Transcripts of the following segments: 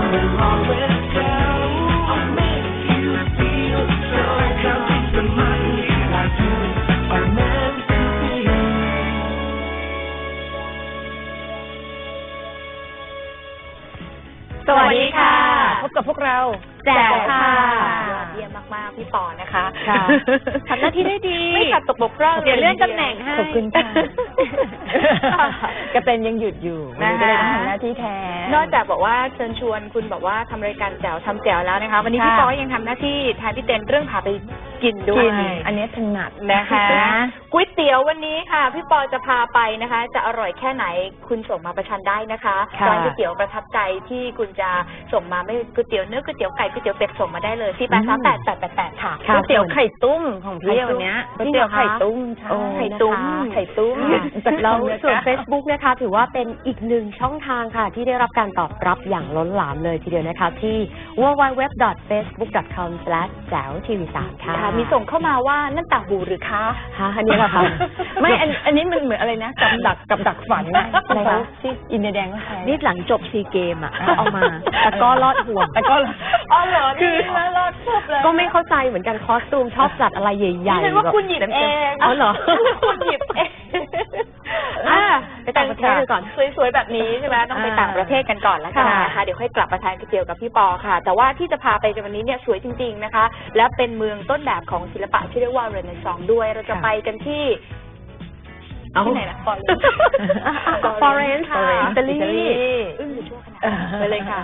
สวัสดีค่ะพบกับพวกเราแจ๋วค่ะยอดเยี่ยมมากๆพี่ปอนะคะทำหน้าที่ได้ดีไม่ขาดตกบกพร่องเดี๋ยวเลื่อนตำแหน่งให้ขอบคุณค่ะก็เป็นยังหยุดอยู่ก็เลยต้องทำหน้าที่แทนนอกจากบอกว่าเชิญชวนคุณบอกว่าทำรายการแจ๋วทำแจ๋วแล้วนะคะวันนี้พี่ปอยังทำหน้าที่แทนพี่เต้นเรื่องพาไปกินด้วยอันนี้ถนัดนะคะก๋วยเตี๋ยววันนี้ค่ะพี่ปอจะพาไปนะคะจะอร่อยแค่ไหนคุณส่งมาประชันได้นะคะร้านก๋วยเตี๋ยวประทับใจที่คุณจะส่งมาไม่ก๋วยเตี๋ยวเนื้อก๋วยเตี๋ยวไก่ก๋วยเตี๋ยวเป็ดส่งมาได้เลยที่83888ค่ะก๋วยเตี๋ยวไข่ตุ้มของพี่วันนี้ก๋วยเตี๋ยวไข่ตุ้มไข่ตุ้มแล้วส่วน Facebook นะคะถือว่าเป็นอีกหนึ่งช่องทางค่ะที่ได้รับการตอบรับอย่างล้นหลามเลยทีเดียวนะคะที่ www.facebook.com/jaewtv3 ค่ะมีส่งเข้ามาว่านั่นต่างหูหรือคะอันนี้แหละค่ะไม่อันนี้มันเหมือนอะไรนะกับดักฝันนะอะไรคะที่อินเดียแดงก็ใช้นี่หลังจบซีเกมเอามาแต่ก็รอดห่วงแต่ก็อ๋อเหรอคือรอดปุ๊บเลยก็ไม่เข้าใจเหมือนกันคอสตูมชอบจัดอะไรใหญ่ๆฉันว่าคุณหยิบเองอ๋อเหรอคุณหยิบเองไปต่างประเทศก่อนสวยๆแบบนี้ใช่ไหมต้องไปต่างประเทศกันก่อนแล้วกันนะคะเดี๋ยวค่อยกลับมาทานก๋วยเตี๋ยวกับพี่ปอค่ะแต่ว่าที่จะพาไปในวันนี้เนี่ยสวยจริงๆนะคะและเป็นเมืองต้นแบบของศิลปะที่เรียกว่าเรเนซองส์ด้วยเราจะไปกันที่ไหนนะฟลอเรนซ์ค่ะอิตาลีอยู่ชั่วขณะไปเลยค่ะ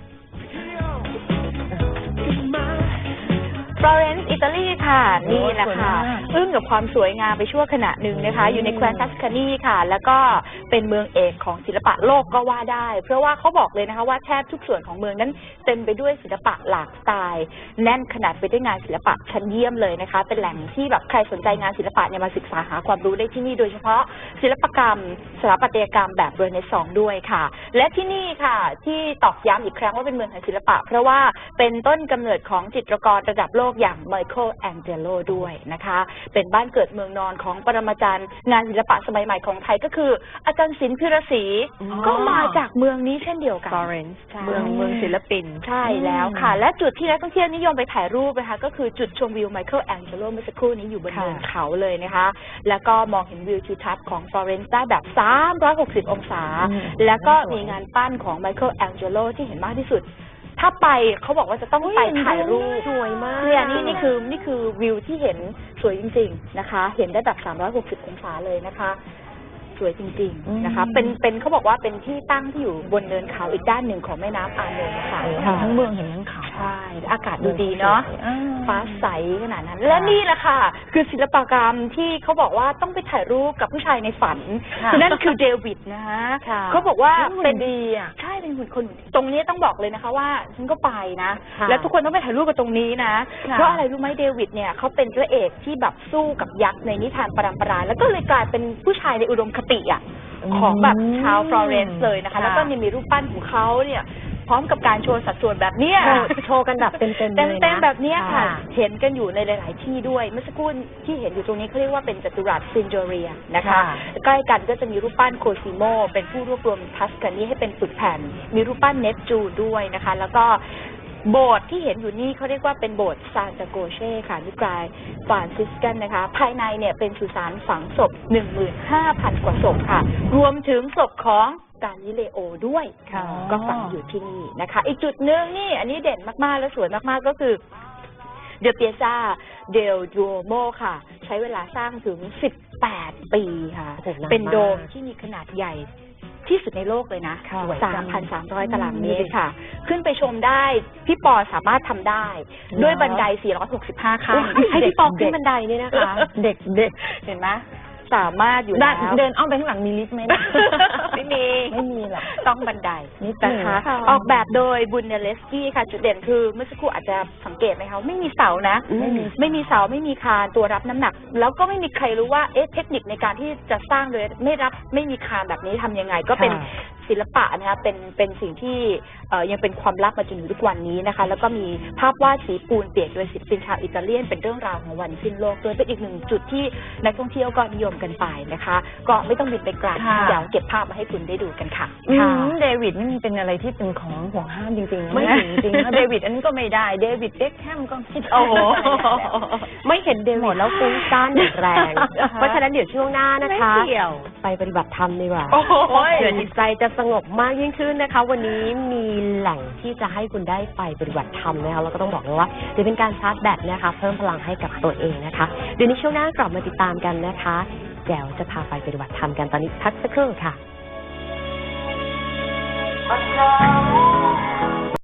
ฟลอเรนซ์อิตาลีค่ะนี่แหละค่ะอึ้งกับความสวยงามไปชั่วขณะหนึ่งนะคะอยู่ในแคว้นทัสคานีค่ะแล้วก็เป็นเมืองเอกของศิลปะโลกก็ว่าได้เพราะว่าเขาบอกเลยนะคะว่าแทบทุกส่วนของเมืองนั้นเต็มไปด้วยศิลปะหลากสไตล์แน่นขนาดไปด้วยงานศิลปะชั้นเยี่ยมเลยนะคะเป็นแหล่งที่แบบใครสนใจงานศิลปะเนี่ยมาศึกษาหาความรู้ได้ที่นี่โดยเฉพาะศิลปกรรมสถาปัตยกรรมแบบเรเนซองส์ด้วยค่ะและที่นี่ค่ะที่ตอกย้ำอีกครั้งว่าเป็นเมืองแห่งศิลปะเพราะว่าเป็นต้นกำเนิดของจิตรกรระดับโลกอย่างไมเคิลแองเจโลด้วยนะคะเป็นบ้านเกิดเมืองนอนของปรมาจารย์งานศิลปะสมัยใหม่ของไทยก็คืออาจารย์ศิลป์พิรศรีก็มาจากเมืองนี้เช่นเดียวกันเมืองศิลปินใช่แล้วค่ะและจุดที่นักท่องเที่ยวนิยมไปถ่ายรูปนะคะก็คือจุดชมวิวไมเคิลแองเจโลเมื่อสักครู่นี้อยู่บนเนินเขาเลยนะคะแล้วก็มองเห็นวิวทิวทัศน์ของฟลอเรนซ์ได้แบบ360องศาแล้วก็มีงานปั้นของไมเคิลแองเจโลที่เห็นมากที่สุดถ้าไปเขาบอกว่าจะต้องไปถ่ายรูปสวยมากเนี่ยนี่คือวิวที่เห็นสวยจริงๆนะคะเห็นได้แบบ360องศาเลยนะคะสวยจริงๆนะคะเป็นเขาบอกว่าเป็นที่ตั้งที่อยู่บนเนินเขาอีกด้านหนึ่งของแม่น้ำอาร์โนนะคะทั้งเมืองเห็นทั้งเขาใช่อากาศดูดีเนาะฟ้าใสขนาดนั้นและนี่แหละค่ะคือศิลปกรรมที่เขาบอกว่าต้องไปถ่ายรูปกับผู้ชายในฝันคือนั่นคือเดวิดนะคะเขาบอกว่าเป็นดีอ่ะใช่เป็นคนตรงนี้ต้องบอกเลยนะคะว่าฉันก็ไปนะแล้วทุกคนต้องไปถ่ายรูปกับตรงนี้นะเพราะอะไรรู้ไหมเดวิดเนี่ยเขาเป็นพระเอกที่แบบสู้กับยักษ์ในนิทานปรัมปราแล้วก็เลยกลายเป็นผู้ชายในอุดมคติของแบบชาวฟลอเรนซ์เลยนะคะแล้วก็มีรูปปั้นของเขาเนี่ยพร้อมกับการโชว์สัดส่วนแบบนี้โชว์กันแบบเต็มแบบนี้ค่ะเห็นกันอยู่ในหลายๆที่ด้วยเมื่อสักครู่ที่เห็นอยู่ตรงนี้เขาเรียกว่าเป็นจัตุรัสซินโจเรียนะคะใกล้กันก็จะมีรูปปั้นโคซิโมเป็นผู้รวบรวมทัสคานีให้เป็นปึกแผ่นมีรูปปั้นเนปจูนด้วยนะคะแล้วก็โบสถ์ที่เห็นอยู่นี่เขาเรียกว่าเป็นโบสถ์ซานตาโกเช่ค่ะนิกายฟรานซิสกันนะคะภายในเนี่ยเป็นสุสานฝังศพ 15,000 กว่าศพค่ะรวมถึงศพของกาลิเลโอด้วยก็ฝังอยู่ที่นี่นะคะอีกจุดหนึ่งนี่อันนี้เด่นมากๆและสวยมากๆก็คือเดลเปียซาเดลดูโมค่ะใช้เวลาสร้างถึง18 ปีค่ะเป็นโดมที่มีขนาดใหญ่ที่สุดในโลกเลยนะ 3,300 ตารางเมตรค่ะขึ้นไปชมได้พี่ปอสามารถทำได้ด้วยบันได465ขั้นให้พี่ปอขึ้นบันไดนี่นะคะเด็กเห็นไหมสามารถอยู่แล้วเดินอ้อมไปข้างหลังมีลิฟต์ไหมไม่มีหรอกต้องบันไดนี่นะคะออกแบบโดยบุนเนเลสกี้ค่ะจุดเด่นคือเมื่อสักครู่อาจจะสังเกตไหมคะไม่มีเสานะไม่มีเสาไม่มีคานตัวรับน้ำหนักแล้วก็ไม่มีใครรู้ว่าเทคนิคในการที่จะสร้างโดยไม่มีคานแบบนี้ทำยังไงก็เป็นศิลปะนะคะเป็นสิ่งที่ยังเป็นความลับมาจนถึงทุกวันนี้นะคะแล้วก็มีภาพวาดสีปูนเปียกโดยศิลปินชาวอิตาเลียนเป็นเรื่องราวของวันสิ้นโลกโดยเป็นอีกหนึ่งจุดที่นักท่องเที่ยวก็นิยมกันไปนะคะก็ไม่ต้องบินไปไกลเดี๋ยวเก็บภาพมาให้คุณได้ดูกันค่ะเดวิดนี่มันเป็นอะไรที่เป็นของห่วงห้ามจริงๆไม่จริงๆเดวิดอันนี้ก็ไม่ได้เดวิดเบ็คแฮมก็ไม่ได้โอ้โหไม่เห็นเดวิดแล้วฟุ้งซ่านอย่างแรง เพราะฉะนั้นเดี๋ยวช่วงหน้านะคะไม่เกี่ยวไปปฏิบัติธรรมดีกว่าโอ้โหเผื่อจิตใจจะสงบมากยิ่งขึ้นนะคะ วันนี้มีแหล่งที่จะให้คุณได้ไปปฏิบัติธรรมนะคะแล้วก็ต้องบอกเลยว่าจะเป็นการชาร์จแบตนะคะเพิ่มพลังให้กับตัวเองนะคะเดี๋ยวในช่วงหน้ากลับมาติดตามกันนะคะแจ๋วจะพาไปปฏิบัติธรรมกันตอนนี้พักสักครู่ค่ะ